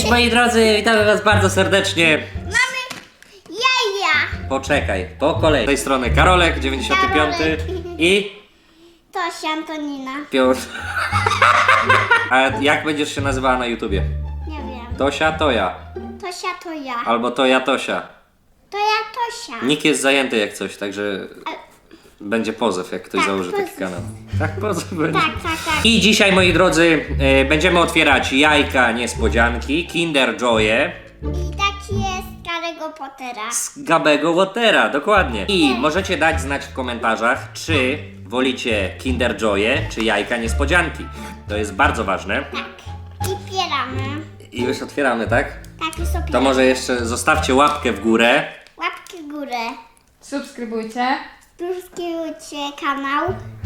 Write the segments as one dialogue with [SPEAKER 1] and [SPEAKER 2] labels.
[SPEAKER 1] moi drodzy, witamy was bardzo serdecznie.
[SPEAKER 2] Mamy jaja.
[SPEAKER 1] Poczekaj, po kolei. Z tej strony Karolek, 95
[SPEAKER 2] Karolek.
[SPEAKER 1] i
[SPEAKER 2] Tosia Antonina.
[SPEAKER 1] Piotr. A jak będziesz się nazywała na YouTubie?
[SPEAKER 2] Nie wiem.
[SPEAKER 1] Tosia, Toja.
[SPEAKER 2] Tosia to ja.
[SPEAKER 1] Albo Toja, Tosia.
[SPEAKER 2] To ja Tosia.
[SPEAKER 1] Nick jest zajęty jak coś, także będzie pozew, jak ktoś
[SPEAKER 2] Tak,
[SPEAKER 1] założy taki
[SPEAKER 2] pozew.
[SPEAKER 1] kanał. Tak, pozew będzie.
[SPEAKER 2] Tak.
[SPEAKER 1] I dzisiaj, moi drodzy, będziemy otwierać jajka niespodzianki, Kinder Joye
[SPEAKER 2] I taki jest Harry'ego Pottera.
[SPEAKER 1] z Gabego Watera, dokładnie. I możecie dać znać w komentarzach, czy wolicie Kinder Joye, czy jajka niespodzianki. To jest bardzo ważne.
[SPEAKER 2] Tak. I pieramy.
[SPEAKER 1] I już otwieramy, tak?
[SPEAKER 2] Tak, już opieramy.
[SPEAKER 1] To może jeszcze zostawcie łapkę w górę.
[SPEAKER 2] Łapki w górę.
[SPEAKER 3] Subskrybujcie.
[SPEAKER 2] Subskrybujcie kanał.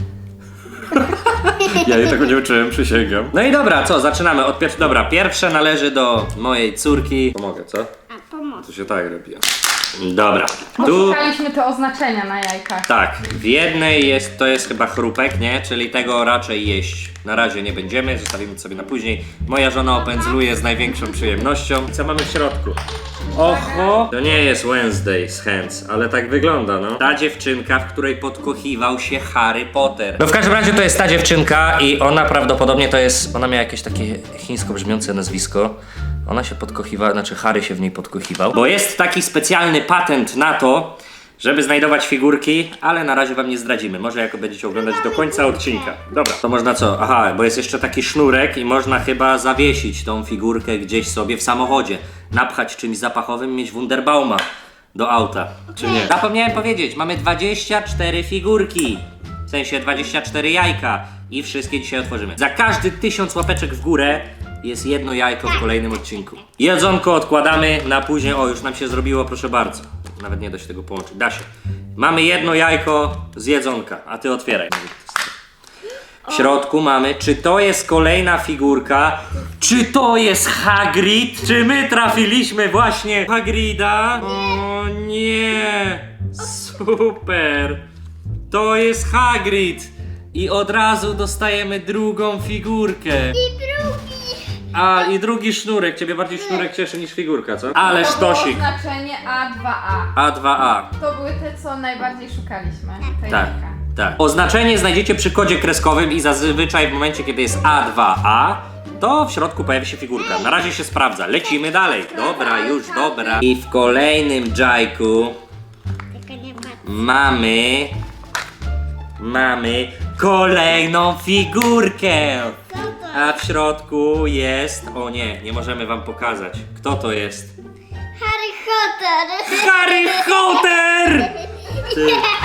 [SPEAKER 1] Ja jej tego nie uczyłem, przysięgam. No i dobra, co? Zaczynamy od pierwszego. Dobra, pierwsze należy do mojej córki. Pomogę, co?
[SPEAKER 2] A pomoc.
[SPEAKER 1] To się tak robi. Dobra, tu...
[SPEAKER 3] Poszukaliśmy te oznaczenia na jajkach.
[SPEAKER 1] Tak, w jednej jest, to jest chyba chrupek, nie? Czyli tego raczej jeść na razie nie będziemy, zostawimy to sobie na później. Moja żona opędzluje z największą przyjemnością. Co mamy w środku? Oho! To nie jest Wednesday z Hands, ale tak wygląda, no. Ta dziewczynka, w której podkochiwał się Harry Potter. No w każdym razie to jest ta dziewczynka i ona prawdopodobnie to jest, ona miała jakieś takie chińsko brzmiące nazwisko. Ona się podkochiwała, znaczy Harry się w niej podkochiwał. Bo jest taki specjalny patent na to, żeby znajdować figurki, ale na razie wam nie zdradzimy. Może jako będziecie oglądać do końca odcinka. Dobra, to można co? Aha, bo jest jeszcze taki sznurek i można chyba zawiesić tą figurkę gdzieś sobie w samochodzie. Napchać czymś zapachowym, mieć Wunderbauma do auta, czy nie? Zapomniałem powiedzieć, mamy 24 figurki. W sensie 24 jajka i wszystkie dzisiaj otworzymy. Za każdy 1000 łapeczek w górę jest jedno jajko w kolejnym odcinku. Jedzonko odkładamy na później. O, już nam się zrobiło, proszę bardzo. Nawet nie da się tego połączyć. Da się. Mamy jedno jajko z jedzonka, a ty otwieraj. W środku mamy, czy to jest kolejna figurka? Czy to jest Hagrid? Czy my trafiliśmy właśnie w Hagrida? O nie! Super! To jest Hagrid! I od razu dostajemy drugą figurkę.
[SPEAKER 2] I drugi.
[SPEAKER 1] A, i drugi sznurek. Ciebie bardziej sznurek cieszy niż figurka, co? Ale
[SPEAKER 3] To było
[SPEAKER 1] sztosik.
[SPEAKER 3] oznaczenie A2A.
[SPEAKER 1] A2A.
[SPEAKER 3] To były te, co najbardziej szukaliśmy. Te
[SPEAKER 1] Tak,
[SPEAKER 3] jajka.
[SPEAKER 1] tak. Oznaczenie znajdziecie przy kodzie kreskowym i zazwyczaj w momencie, kiedy jest A2A, to w środku pojawi się figurka. Na razie się sprawdza. Lecimy dalej. Dobra, już dobra. I w kolejnym dżajku
[SPEAKER 2] Tylko nie patrz.
[SPEAKER 1] mamy kolejną figurkę.
[SPEAKER 2] Co to?
[SPEAKER 1] A w środku jest... O nie, nie możemy wam pokazać. Kto to jest?
[SPEAKER 2] Harry Potter.
[SPEAKER 1] Harry Potter! Ty.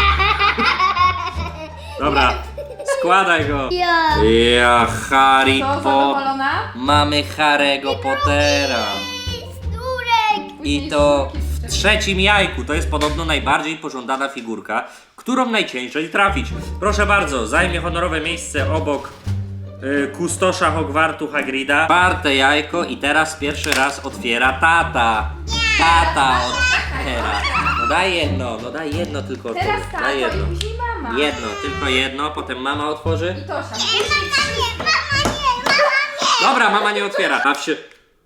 [SPEAKER 1] Dobra, składaj go.
[SPEAKER 2] Ja.
[SPEAKER 1] Ja, Harry
[SPEAKER 3] Co,
[SPEAKER 1] Potter.
[SPEAKER 3] zadowolona?
[SPEAKER 1] Mamy Harry'ego Pottera.
[SPEAKER 2] Sturek.
[SPEAKER 1] I to w trzecim jajku. To jest podobno najbardziej pożądana figurka, którą najciężej trafić. Proszę bardzo, zajmie honorowe miejsce obok kustosza Hogwartu Hagrida. Czwarte jajko i teraz pierwszy raz otwiera tata. Tata otwiera. No daj jedno tylko otworzy.
[SPEAKER 3] Teraz tato
[SPEAKER 1] Daj
[SPEAKER 3] i
[SPEAKER 1] jedno.
[SPEAKER 3] później mama.
[SPEAKER 1] Jedno, tylko jedno, potem mama otworzy.
[SPEAKER 3] I Tosia.
[SPEAKER 2] Mama nie.
[SPEAKER 1] Dobra, mama nie otwiera. Baw się.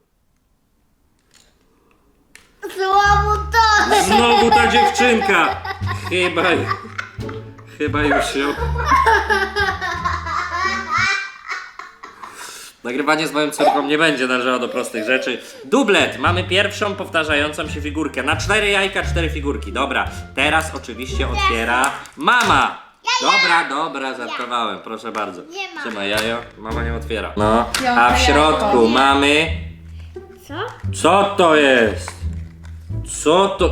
[SPEAKER 2] Znowu to.
[SPEAKER 1] Znowu ta dziewczynka. Chyba już się... Nagrywanie z moją córką nie będzie należało do prostych rzeczy. Dublet! Mamy pierwszą powtarzającą się figurkę. Na 4 jajka 4 figurki. Dobra, teraz oczywiście otwiera mama. Dobra, żartowałem, proszę bardzo.
[SPEAKER 2] Nie ma.
[SPEAKER 1] Trzymaj jajo, mama nie otwiera. No, a
[SPEAKER 3] Piąte
[SPEAKER 1] w środku
[SPEAKER 3] jajko.
[SPEAKER 1] mamy...
[SPEAKER 2] Co?
[SPEAKER 1] Co to jest? Co to...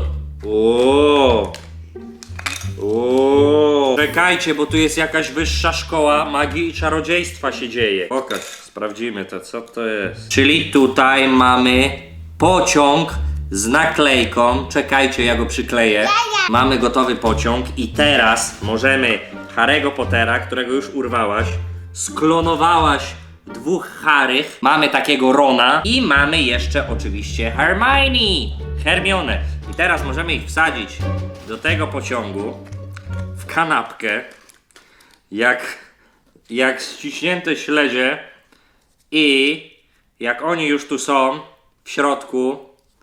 [SPEAKER 1] O! Czekajcie, bo tu jest jakaś wyższa szkoła magii i czarodziejstwa się dzieje. Pokaż, sprawdzimy to, co to jest. Czyli tutaj mamy pociąg z naklejką. Czekajcie, ja go przykleję. Mamy gotowy pociąg i teraz możemy Harry'ego Pottera, którego już urwałaś, sklonowałaś dwóch Harrych. Mamy takiego Rona i mamy jeszcze oczywiście Hermione. I teraz możemy ich wsadzić do tego pociągu w kanapkę jak ściśnięte śledzie i jak oni już tu są, W środku.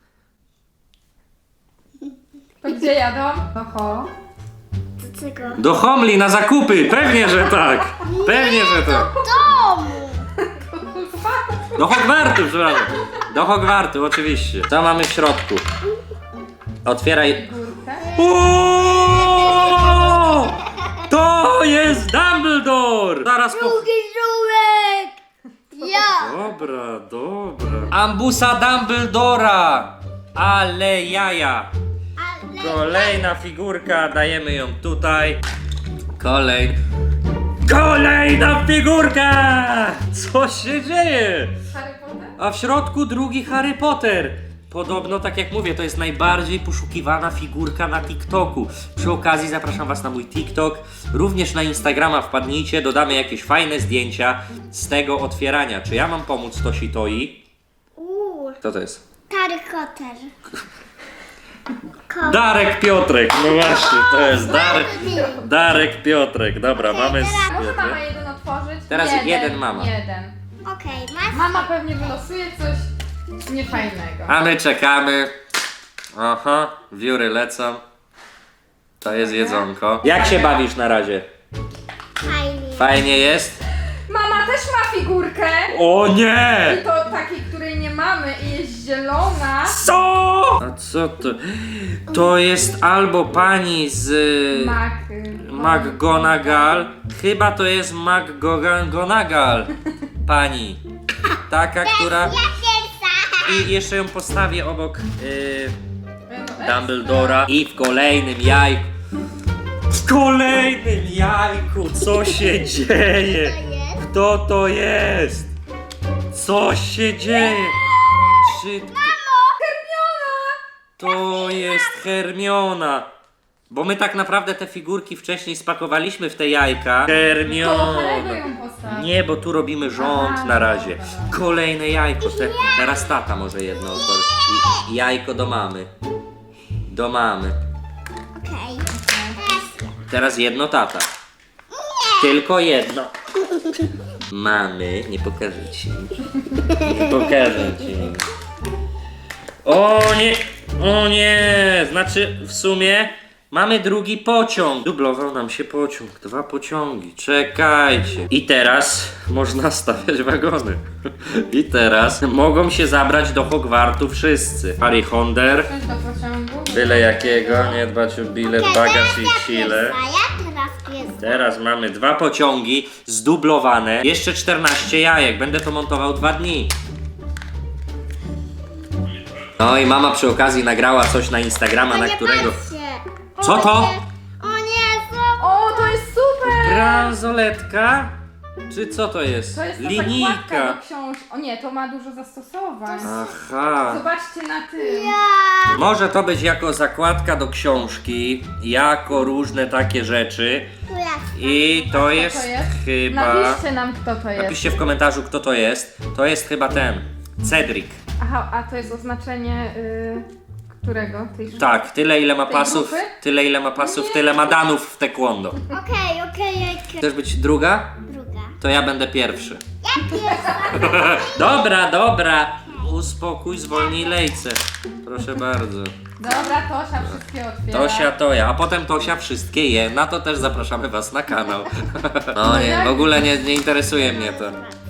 [SPEAKER 3] To gdzie jadą? Oho.
[SPEAKER 2] Do czego?
[SPEAKER 1] Do Homli na zakupy! Pewnie, że tak! Pewnie, że tak!
[SPEAKER 2] Domu!
[SPEAKER 1] Do Hogwartu, przepraszam. Do Hogwartu, oczywiście. Co mamy w środku? Otwieraj.
[SPEAKER 3] Górkę.
[SPEAKER 1] O! To jest Dumbledore! Zaraz po...
[SPEAKER 2] Drugi żółek! Ja!
[SPEAKER 1] Dobra, dobra. Ambusa Dumbledora! Ale jaja!
[SPEAKER 2] Ale...
[SPEAKER 1] Kolejna figurka, dajemy ją tutaj. Kolejna figurka! Co się dzieje?
[SPEAKER 3] Harry Potter?
[SPEAKER 1] A w środku drugi Harry Potter. Podobno, tak jak mówię, to jest najbardziej poszukiwana figurka na TikToku. Przy okazji zapraszam was na mój TikTok. Również na Instagrama wpadnijcie, dodamy jakieś fajne zdjęcia z tego otwierania. Czy ja mam pomóc Tosi Toi? Kto to jest?
[SPEAKER 2] Harry Potter.
[SPEAKER 1] Darek Piotrek, no właśnie, to jest Darek Piotrek. Dobra, mamy...
[SPEAKER 3] Może mama jeden otworzyć?
[SPEAKER 1] Teraz jeden mama.
[SPEAKER 3] Jeden.
[SPEAKER 2] Okej, masz...
[SPEAKER 3] Mama pewnie wylosuje coś niefajnego.
[SPEAKER 1] A my czekamy. Aha, wióry lecą. To jest jedzonko. Jak się bawisz na razie?
[SPEAKER 2] Fajnie.
[SPEAKER 1] Fajnie jest?
[SPEAKER 3] Mama też ma figurkę!
[SPEAKER 1] O nie!
[SPEAKER 3] I to takiej, której nie mamy i jest zielona.
[SPEAKER 1] Co? A co to? To jest albo pani z McGonagall. Chyba to jest McGonagall. Pani. Taka, która...
[SPEAKER 2] Ja pierwsza!
[SPEAKER 1] I jeszcze ją postawię obok Dumbledora. I w kolejnym jajku. W kolejnym jajku! Co się dzieje?
[SPEAKER 2] To jest?
[SPEAKER 1] Kto to jest? Co się dzieje? Czy... To jest Hermiona! Bo my tak naprawdę te figurki wcześniej spakowaliśmy w te jajka.
[SPEAKER 3] Koło Harry'ego
[SPEAKER 1] Hermiona!
[SPEAKER 3] ją postawi.
[SPEAKER 1] Nie, bo tu robimy rząd
[SPEAKER 3] Aha,
[SPEAKER 1] na razie.
[SPEAKER 3] dobra.
[SPEAKER 1] Kolejne jajko. Teraz tata może jedno otworzyć. I jajko do mamy. Do mamy.
[SPEAKER 2] Okej.
[SPEAKER 1] Teraz jedno tata. Tylko jedno. Mamy, nie pokażę ci. Nie pokażę ci. O nie! O nie! Znaczy w sumie mamy drugi pociąg. Dublował nam się pociąg. 2 pociągi. Czekajcie. I teraz można stawiać wagony. I teraz mogą się zabrać do Hogwartu wszyscy. Harry Honder.
[SPEAKER 3] Wsiąść do pociągu.
[SPEAKER 1] Byle jakiego, nie dbać o bilet, bagaż i sile.
[SPEAKER 2] Ja teraz pierwsza.
[SPEAKER 1] Teraz mamy 2 pociągi zdublowane. Jeszcze 14 jajek. Będę to montował 2 dni. No i mama przy okazji nagrała coś na Instagrama, na którego... Co to?
[SPEAKER 2] O nie, znowu!
[SPEAKER 3] O, to jest super!
[SPEAKER 1] Bransoletka? Czy co to jest?
[SPEAKER 3] To jest ta zakładka
[SPEAKER 1] Linijka.
[SPEAKER 3] do książki. O nie, to ma dużo zastosowań.
[SPEAKER 1] Aha.
[SPEAKER 3] Zobaczcie na tym.
[SPEAKER 2] Ja!
[SPEAKER 1] Może to być jako zakładka do książki, jako różne takie rzeczy.
[SPEAKER 2] Tu jest.
[SPEAKER 1] I to jest
[SPEAKER 3] to jest?
[SPEAKER 1] chyba...
[SPEAKER 3] Napiszcie nam, kto to jest.
[SPEAKER 1] Napiszcie w komentarzu, kto to jest. To jest chyba ten. Cedric.
[SPEAKER 3] Aha, a to jest oznaczenie którego? Tej szkoły?
[SPEAKER 1] Tak, tyle ile ma
[SPEAKER 3] Tej
[SPEAKER 1] pasów,
[SPEAKER 3] grupy?
[SPEAKER 1] tyle ile ma pasów, tyle ma danów w taekwondo.
[SPEAKER 2] Okej.
[SPEAKER 1] Chcesz być druga?
[SPEAKER 2] Druga.
[SPEAKER 1] To ja będę pierwszy.
[SPEAKER 2] Ja pierwsza.
[SPEAKER 1] Dobra. Uspokój, zwolnij lejce. Proszę bardzo.
[SPEAKER 3] Dobra, Tosia wszystkie otwiera.
[SPEAKER 1] Tosia to ja, a potem Tosia wszystkie je. Na to też zapraszamy was na kanał. No nie, w ogóle nie interesuje mnie to.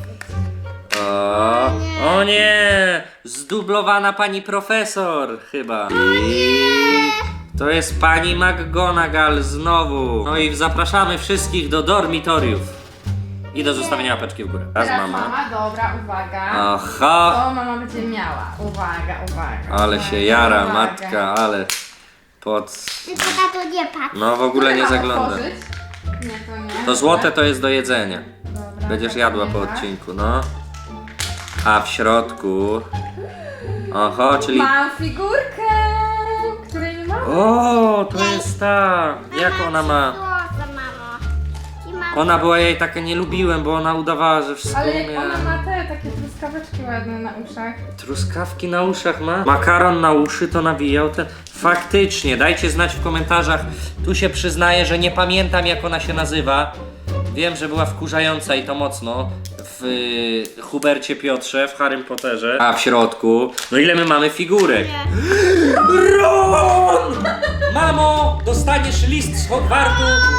[SPEAKER 1] O nie! Zdublowana pani profesor chyba. I to jest pani McGonagall znowu. No i zapraszamy wszystkich do dormitoriów. I do zostawienia łapeczki w górę. Raz
[SPEAKER 3] Teraz
[SPEAKER 1] mama.
[SPEAKER 3] dobra, uwaga.
[SPEAKER 1] Aha!
[SPEAKER 3] To mama będzie miała. Uwaga.
[SPEAKER 1] Ale
[SPEAKER 3] uwaga,
[SPEAKER 1] się jara
[SPEAKER 3] uwaga.
[SPEAKER 1] matka, ale pod...
[SPEAKER 2] Tylko na to nie patrz.
[SPEAKER 1] No w ogóle nie
[SPEAKER 3] Mogę
[SPEAKER 1] zagląda.
[SPEAKER 3] otworzyć? Nie, to nie.
[SPEAKER 1] To złote to jest do jedzenia.
[SPEAKER 3] Dobra,
[SPEAKER 1] Będziesz
[SPEAKER 3] tak
[SPEAKER 1] jadła
[SPEAKER 3] nie
[SPEAKER 1] po
[SPEAKER 3] ma.
[SPEAKER 1] odcinku, no. A w środku... Oho, czyli...
[SPEAKER 3] Mam figurkę, której nie ma.
[SPEAKER 1] O, to jest ta... Jak ona ma...
[SPEAKER 2] Złote, mamo. I mam...
[SPEAKER 1] Ona była, ja jej tak nie lubiłem, bo ona udawała, że wszystko
[SPEAKER 3] Ale jak
[SPEAKER 1] umie.
[SPEAKER 3] ona ma te takie truskaweczki ładne na uszach.
[SPEAKER 1] Truskawki na uszach ma? Makaron na uszy to nawijał ten... Faktycznie, dajcie znać w komentarzach. Tu się przyznaję, że nie pamiętam jak ona się nazywa. Wiem, że była wkurzająca i to mocno w Hubercie Piotrze, w Harrym Potterze. A w środku. No ile my mamy figurek? Ron! Mamo, dostaniesz list z Hogwartu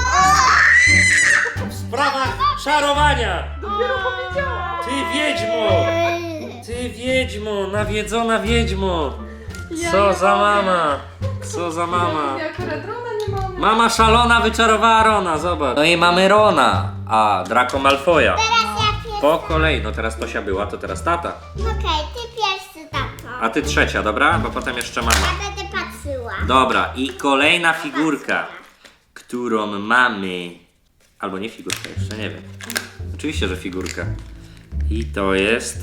[SPEAKER 1] w sprawach czarowania.
[SPEAKER 3] Dopiero powiedziałam.
[SPEAKER 1] Ty wiedźmo! Ty wiedźmo, nawiedzona wiedźmo!
[SPEAKER 3] Ja
[SPEAKER 1] Co
[SPEAKER 3] nie
[SPEAKER 1] za
[SPEAKER 3] mogę.
[SPEAKER 1] mama? Co za mama?
[SPEAKER 3] Ja akurat Rona nie mam.
[SPEAKER 1] Mama szalona wyczarowała Rona, zobacz. No i mamy Rona, a Draco Malfoya.
[SPEAKER 2] Teraz ja pierwsza.
[SPEAKER 1] Po kolei, no teraz Tosia była, to teraz tata.
[SPEAKER 2] Okej, ty pierwszy, tato.
[SPEAKER 1] A ty trzecia, dobra? Bo potem jeszcze mama.
[SPEAKER 2] Ja będę patrzyła.
[SPEAKER 1] Dobra, i kolejna figurka, którą mamy. Albo nie figurka, jeszcze nie wiem. Oczywiście, że figurka. I to jest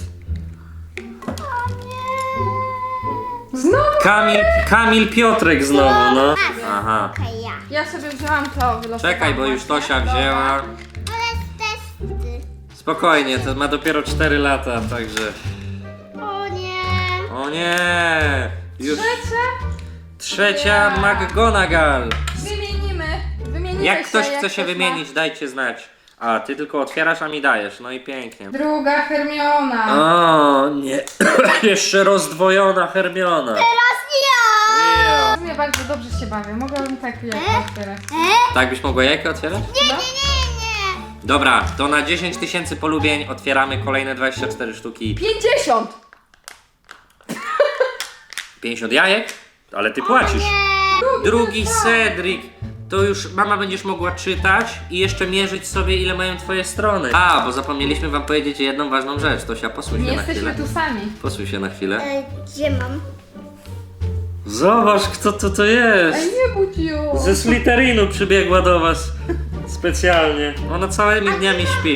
[SPEAKER 3] Znowu?
[SPEAKER 1] Kamil Piotrek znowu, no. Aha.
[SPEAKER 2] Okej, ja.
[SPEAKER 3] Ja sobie wzięłam to, wylosowałam.
[SPEAKER 1] Czekaj, bo już
[SPEAKER 3] właśnie.
[SPEAKER 1] Tosia wzięła.
[SPEAKER 2] Ale testy.
[SPEAKER 1] Spokojnie, to ma dopiero 4 lata, także...
[SPEAKER 2] O nie.
[SPEAKER 1] O nie! Już
[SPEAKER 3] Trzecia?
[SPEAKER 1] trzecia McGonagall.
[SPEAKER 3] Wymienimy
[SPEAKER 1] Jak ktoś chce się
[SPEAKER 3] ktoś ma.
[SPEAKER 1] wymienić, dajcie znać. A, ty tylko otwierasz, a mi dajesz, no i pięknie.
[SPEAKER 3] Druga Hermiona.
[SPEAKER 1] O nie, jeszcze rozdwojona Hermiona.
[SPEAKER 2] Teraz ja.
[SPEAKER 1] Ja.
[SPEAKER 3] W sumie bardzo dobrze się bawię. Mogłabym tak jak otwierać.
[SPEAKER 1] Tak byś mogła jajko otwierać?
[SPEAKER 2] Nie.
[SPEAKER 1] Dobra, to na 10 000 polubień otwieramy kolejne 24 sztuki.
[SPEAKER 3] 50!
[SPEAKER 1] 50 jajek? Ale ty płacisz. Drugi Cedric. To już mama będziesz mogła czytać i jeszcze mierzyć sobie, ile mają twoje strony. A, bo zapomnieliśmy wam powiedzieć jedną ważną rzecz. Tosia, posłuchaj
[SPEAKER 3] Nie
[SPEAKER 1] się na
[SPEAKER 3] jesteśmy
[SPEAKER 1] chwilę.
[SPEAKER 3] tu sami.
[SPEAKER 1] Posłuchaj się na chwilę.
[SPEAKER 2] Gdzie mam?
[SPEAKER 1] Zobacz, kto to jest.
[SPEAKER 3] Ej, nie budź ją.
[SPEAKER 1] Ze Slytherinu przybiegła do was specjalnie. Ona całymi dniami śpi.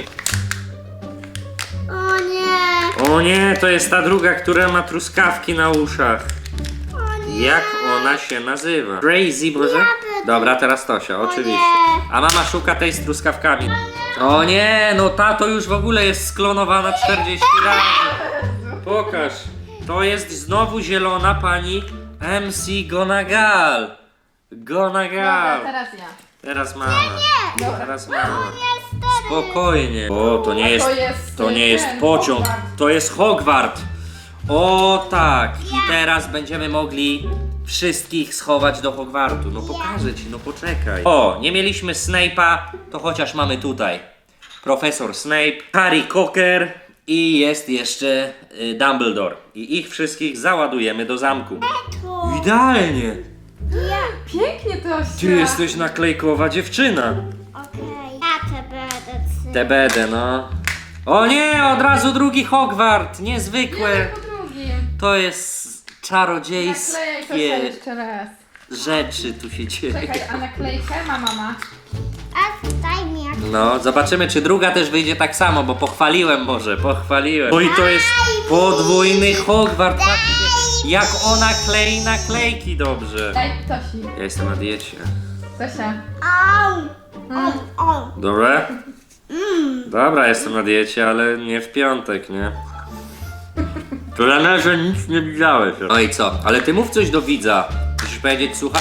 [SPEAKER 2] O nie.
[SPEAKER 1] O nie, to jest ta druga, która ma truskawki na uszach.
[SPEAKER 2] O nie.
[SPEAKER 1] Jak ona się nazywa? Crazy, Boże?
[SPEAKER 2] będę.
[SPEAKER 1] Dobra, teraz Tosia, oczywiście.
[SPEAKER 2] nie.
[SPEAKER 1] A mama szuka tej z truskawkami. O nie, no ta to już w ogóle jest sklonowana 40 razy. Pokaż. To jest znowu zielona pani MC Gonagall.
[SPEAKER 3] Dobra,
[SPEAKER 1] Gonagall.
[SPEAKER 3] teraz ja.
[SPEAKER 1] Teraz mama.
[SPEAKER 3] Dobra.
[SPEAKER 1] Teraz mama. Spokojnie. O, to nie jest,
[SPEAKER 3] jest
[SPEAKER 1] to nie jest
[SPEAKER 3] ten,
[SPEAKER 1] pociąg,
[SPEAKER 3] Hogwart.
[SPEAKER 1] to jest Hogwart. O tak. I teraz będziemy mogli wszystkich schować do Hogwartu. No pokażę ci, no poczekaj. O, nie mieliśmy Snape'a, to chociaż mamy tutaj. Profesor Snape, Harry Cocker i jest jeszcze Dumbledore. I ich wszystkich załadujemy do zamku. Idealnie.
[SPEAKER 2] Ja.
[SPEAKER 3] Pięknie to się.
[SPEAKER 1] Ty jesteś naklejkowa dziewczyna.
[SPEAKER 2] Okej. Ja te będę trzy.
[SPEAKER 1] TBD, no. O nie, od razu drugi Hogwart, niezwykłe.
[SPEAKER 3] Jeden po drugim.
[SPEAKER 1] To jest
[SPEAKER 3] Naklejaj to
[SPEAKER 1] czarodziejskie
[SPEAKER 3] jeszcze raz.
[SPEAKER 1] rzeczy tu się dzieje.
[SPEAKER 3] Czekaj, a naklejkę ma mama.
[SPEAKER 2] A daj mi jak.
[SPEAKER 1] No, zobaczymy czy druga też wyjdzie tak samo, bo pochwaliłem może, pochwaliłem. No i to jest podwójny Hogwart, patrzcie, jak ona klei naklejki dobrze.
[SPEAKER 3] Daj Tosi.
[SPEAKER 1] Ja jestem na diecie.
[SPEAKER 3] Tosia.
[SPEAKER 2] Au. Au.
[SPEAKER 1] Dobra? Dobra, jestem na diecie, ale nie w piątek, nie? Trenerze, nic nie widziałeś. No i co? Ale ty mów coś do widza. Musisz powiedzieć, słuchaj.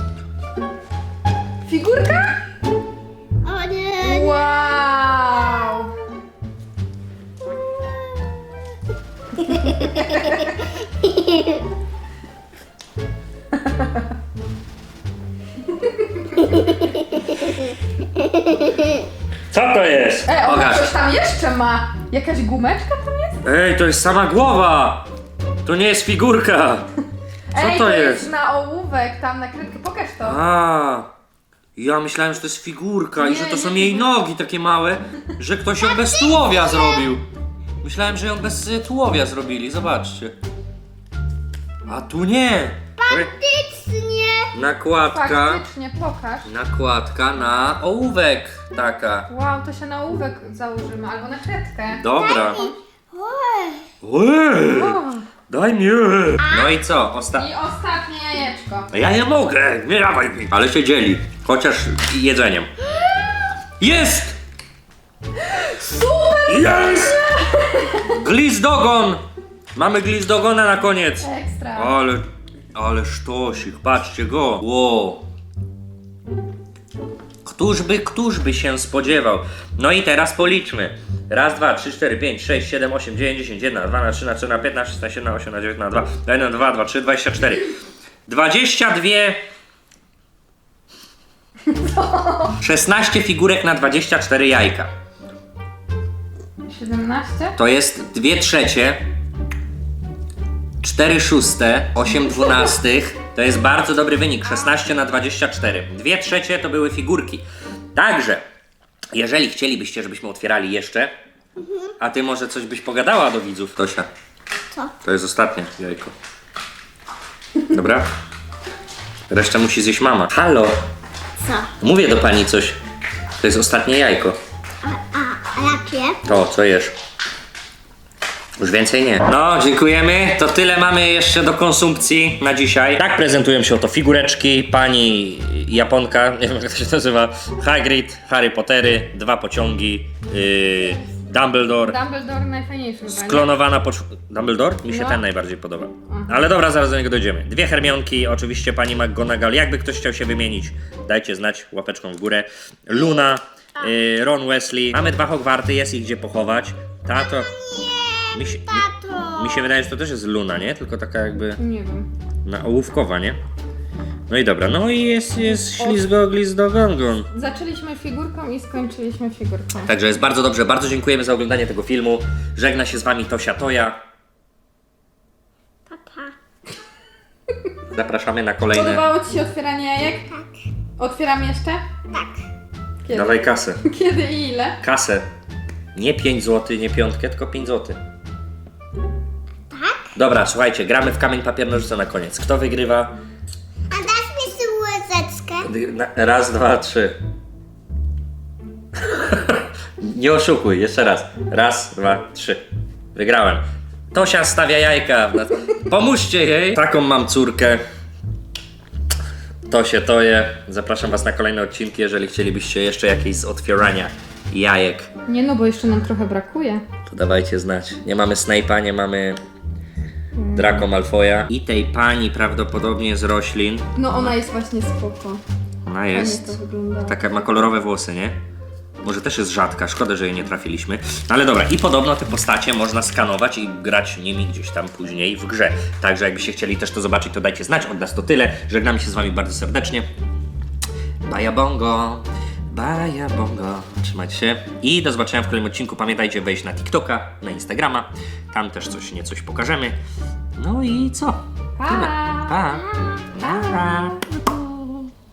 [SPEAKER 3] Figurka?
[SPEAKER 2] O nie.
[SPEAKER 3] Wow.
[SPEAKER 1] Co to jest?
[SPEAKER 3] Ona
[SPEAKER 1] Pokaż.
[SPEAKER 3] coś tam jeszcze ma. Jakaś gumeczka tam jest?
[SPEAKER 1] Ej, to jest sama głowa! To nie jest figurka! Co to jest?
[SPEAKER 3] na ołówek, tam na kredkę. Pokaż to.
[SPEAKER 1] A, ja myślałem, że to jest figurka i
[SPEAKER 3] Nie,
[SPEAKER 1] że to są
[SPEAKER 3] nie
[SPEAKER 1] jej
[SPEAKER 3] figurka.
[SPEAKER 1] nogi takie małe, że ktoś ją bez tułowia zrobił. Myślałem, że ją bez tułowia zrobili, zobaczcie. A tu nie!
[SPEAKER 2] Faktycznie.
[SPEAKER 1] Nakładka.
[SPEAKER 3] Faktycznie, pokaż.
[SPEAKER 1] Nakładka na ołówek taka.
[SPEAKER 3] Wow, to się na ołówek założymy, albo na kredkę.
[SPEAKER 1] Dobra.
[SPEAKER 2] Oj.
[SPEAKER 1] Ej,
[SPEAKER 3] O.
[SPEAKER 1] daj mi. No i co?
[SPEAKER 3] I ostatnie jajeczko.
[SPEAKER 1] Ja nie mogę, nie dawaj mi. Ale się dzieli, chociaż jedzeniem. Jest!
[SPEAKER 3] Super!
[SPEAKER 1] Jest! Glizdogon! Mamy Glizdogona na koniec.
[SPEAKER 3] Ekstra.
[SPEAKER 1] Ale sztosik, patrzcie go. Wow. Któż by się spodziewał? No i teraz policzmy. Raz, 2, 3, 4, 5, 6, 7, 8, 9, 10, 1, 2, 3, 4, 15, 16, 17, 18, 19, 2, 1, 2, 2, 3, 24. 22... 16 figurek na 24 jajka.
[SPEAKER 3] 17?
[SPEAKER 1] To jest 2/3, 4/6, 8/12. To jest bardzo dobry wynik, 16 na 24. 2/3 to były figurki. Także, jeżeli chcielibyście, żebyśmy otwierali jeszcze, a ty może coś byś pogadała do widzów, Tosia.
[SPEAKER 2] Co?
[SPEAKER 1] To jest ostatnie jajko. Dobra? Resztę musi zjeść mama. Halo,
[SPEAKER 2] Co?
[SPEAKER 1] mówię do pani coś. To jest ostatnie jajko.
[SPEAKER 2] A jakie?
[SPEAKER 1] To, co jesz? Już więcej nie. No, dziękujemy. To tyle mamy jeszcze do konsumpcji na dzisiaj. Tak prezentują się oto figureczki. Pani Japonka, nie wiem jak to się nazywa, Hagrid, Harry Pottery, 2 pociągi, Dumbledore,
[SPEAKER 3] Dumbledore najfajniejszy chyba, nie?
[SPEAKER 1] sklonowana Dumbledore? Mi się
[SPEAKER 3] No.
[SPEAKER 1] ten najbardziej podoba. Ale dobra, zaraz do niego dojdziemy. 2 Hermionki, oczywiście pani McGonagall. Jakby ktoś chciał się wymienić, dajcie znać łapeczką w górę. Luna, Ron Weasley. Mamy 2 Hogwarty, jest ich gdzie pochować. Tato...
[SPEAKER 2] Tato!
[SPEAKER 1] Mi się wydaje, że to też jest Luna, nie? Tylko taka jakby
[SPEAKER 3] Nie wiem.
[SPEAKER 1] ołówkowa, nie? No i dobra, no i jest ślizgo, glizdo, gongon.
[SPEAKER 3] Zaczęliśmy figurką i skończyliśmy figurką.
[SPEAKER 1] Także jest bardzo dobrze, bardzo dziękujemy za oglądanie tego filmu. Żegna się z wami Tosia Toja.
[SPEAKER 2] Papa.
[SPEAKER 1] Zapraszamy na kolejne...
[SPEAKER 3] Podobało ci się otwieranie jajek?
[SPEAKER 2] Tak.
[SPEAKER 3] Otwieramy jeszcze?
[SPEAKER 2] Tak.
[SPEAKER 3] Kiedy?
[SPEAKER 1] Dawaj kasę.
[SPEAKER 3] Kiedy i ile?
[SPEAKER 1] Kasę. Nie 5 zł, nie piątkę, tylko 5 zł.
[SPEAKER 2] Tak?
[SPEAKER 1] Dobra, słuchajcie, gramy w kamień, papier, nożyce na koniec. Kto wygrywa?
[SPEAKER 2] A dasz mi łyżeczkę?
[SPEAKER 1] Raz, 2, 3. Nie oszukuj, jeszcze raz. Raz, 2, 3. Wygrałem. Tosia stawia jajka. Pomóżcie jej. Taką mam córkę. Tosię Toję. Zapraszam was na kolejne odcinki, jeżeli chcielibyście jeszcze jakieś z otwierania jajek.
[SPEAKER 3] Nie no, bo jeszcze nam trochę brakuje.
[SPEAKER 1] To dawajcie znać. Nie mamy Snape'a, nie mamy Draco Malfoya. I tej pani prawdopodobnie z roślin.
[SPEAKER 3] No ona jest właśnie spoko.
[SPEAKER 1] Ona
[SPEAKER 3] Fajnie
[SPEAKER 1] jest...
[SPEAKER 3] to wygląda.
[SPEAKER 1] Taka ma kolorowe włosy, nie? Może też jest rzadka, szkoda, że jej nie trafiliśmy. No ale dobra, i podobno te postacie można skanować i grać nimi gdzieś tam później w grze. Także jakbyście chcieli też to zobaczyć, to dajcie znać. Od nas to tyle. Żegnamy się z wami bardzo serdecznie. Baja bongo. Baja bongo. Trzymajcie się. I do zobaczenia w kolejnym odcinku. Pamiętajcie wejść na TikToka, na Instagrama. Tam też coś pokażemy. No i co?
[SPEAKER 3] Pa!
[SPEAKER 1] Tyle. Pa. Pa.